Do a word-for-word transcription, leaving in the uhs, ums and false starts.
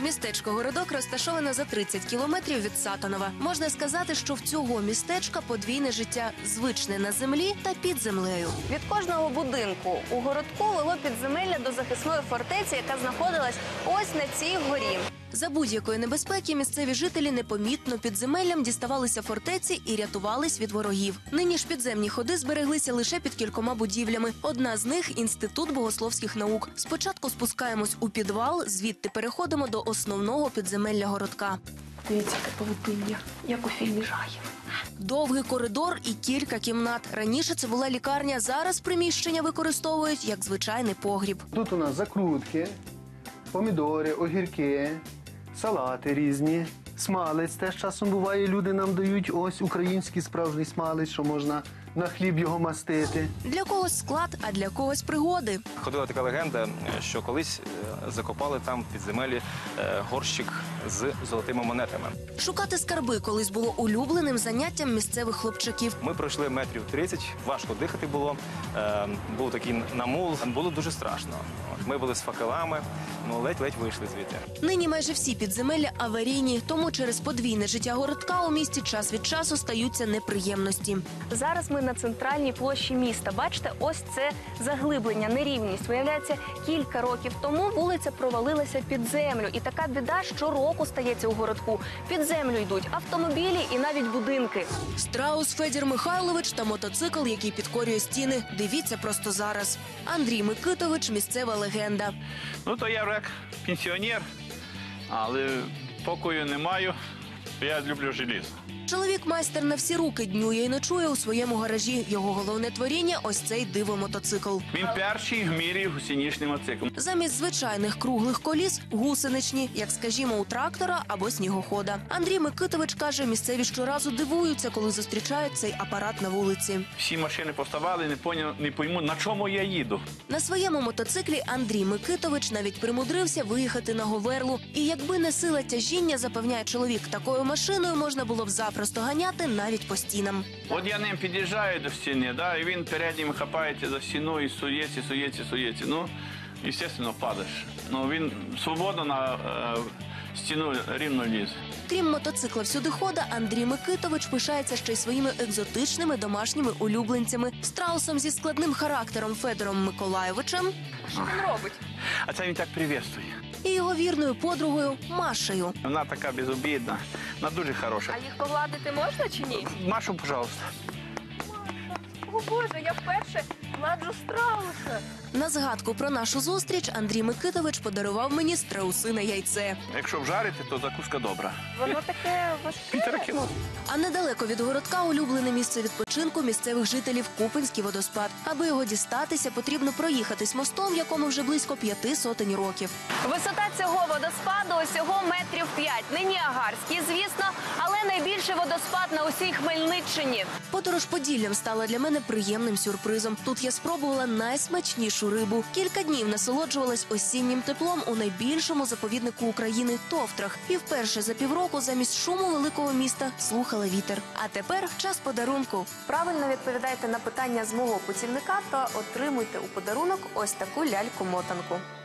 Містечко Городок розташоване за тридцять кілометрів від Сатанова. Можна сказати, що в цього містечка подвійне життя – звичне на землі та під землею. Від кожного будинку у Городку вело підземелля до захисної фортеці, яка знаходилась ось на цій горі. За будь-якої небезпеки місцеві жителі непомітно підземеллям діставалися фортеці і рятувались від ворогів. Нині ж підземні ходи збереглися лише під кількома будівлями. Одна з них – Інститут богословських наук. Спочатку спускаємось у підвал, звідти переходимо до основного підземелля Городка. Дивіться, яке павутиння, як у фільмі жахів. Довгий коридор і кілька кімнат. Раніше це була лікарня, зараз приміщення використовують як звичайний погріб. Тут у нас закрутки, помідори, огірки, салати різні, смалець теж часом буває, люди нам дають ось український справжній смалець, що можна на хліб його мастити. Для когось склад, а для когось пригоди. Ходила така легенда, що колись закопали там в підземелі горщик з золотими монетами. Шукати скарби колись було улюбленим заняттям місцевих хлопчаків. Ми пройшли метрів тридцять, важко дихати було, був такий намул, було дуже страшно. Ми були з факелами, ну ледь-ледь вийшли звідти. Нині майже всі підземелля аварійні, тому через подвійне життя Городка у місті час від часу стаються неприємності. Зараз ми на центральній площі міста. Бачите, ось це заглиблення, нерівність. Виявляється, кілька років тому вулиця провалилася під землю. І така біда щороку стається у Городку. Під землю йдуть автомобілі і навіть будинки. Страус Федір Михайлович та мотоцикл, який підкорює стіни. Дивіться просто зараз. Андрій Микитович – місцева легенда. Ну, то я як пенсіонер, але покою не маю, я люблю желізо. Чоловік майстер на всі руки днює і ночує у своєму гаражі. Його головне творіння – ось цей диво-мотоцикл. Він перший в мірі гусеничний мотоцикл. Замість звичайних круглих коліс – гусеничні, як, скажімо, у трактора або снігохода. Андрій Микитович каже, місцеві щоразу дивуються, коли зустрічають цей апарат на вулиці. Всі машини поставали, не, поняв, не пойму, на чому я їду. На своєму мотоциклі Андрій Микитович навіть примудрився виїхати на Говерлу. І якби не сила тяжіння, запевняє чоловік, такою машиною можна було б запросто ганяти навіть по стінам. От я ним під'їжджаю до стіни, да, і він переднім хапається за стіну і сується, сується, сується. Ну, звісно, падаєш. Ну, він свободно на е, стіну рівно лізе. Крім мотоцикла всюдихода, Андрій Микитович пишається ще й своїми екзотичними домашніми улюбленцями. Страусом зі складним характером Федором Миколайовичем. Що він робить? А це він так привітствує. І його вірною подругою Машею. Вона така безобідна, вона дуже хороша. А їх погладити можна чи ні? Машу, пожалуйста. О Боже, я вперше гладжу страуса. На згадку про нашу зустріч Андрій Микитович подарував мені страусине яйце. Якщо вжарити, то закуска добра. Воно таке важке. Півтора кіло. А недалеко від Городка улюблене місце відпочинку місцевих жителів Купинський водоспад. Аби його дістатися, потрібно проїхатись мостом, якому вже близько п'яти сотень років. Висота цього водоспаду усього метрів п'ять. Не Ніагарський, звісно, але найбільший водоспад на усій Хмельниччині. Подорож Поділлям стала для мене приємним сюрпризом. Тут я спробувала найсмачнішу рибу. Кілька днів насолоджувалась осіннім теплом у найбільшому заповіднику України – Товтрах. І вперше за півроку замість шуму великого міста слухала вітер. А тепер час подарунку. Правильно відповідайте на питання з мого путівника та отримуйте у подарунок ось таку ляльку-мотанку.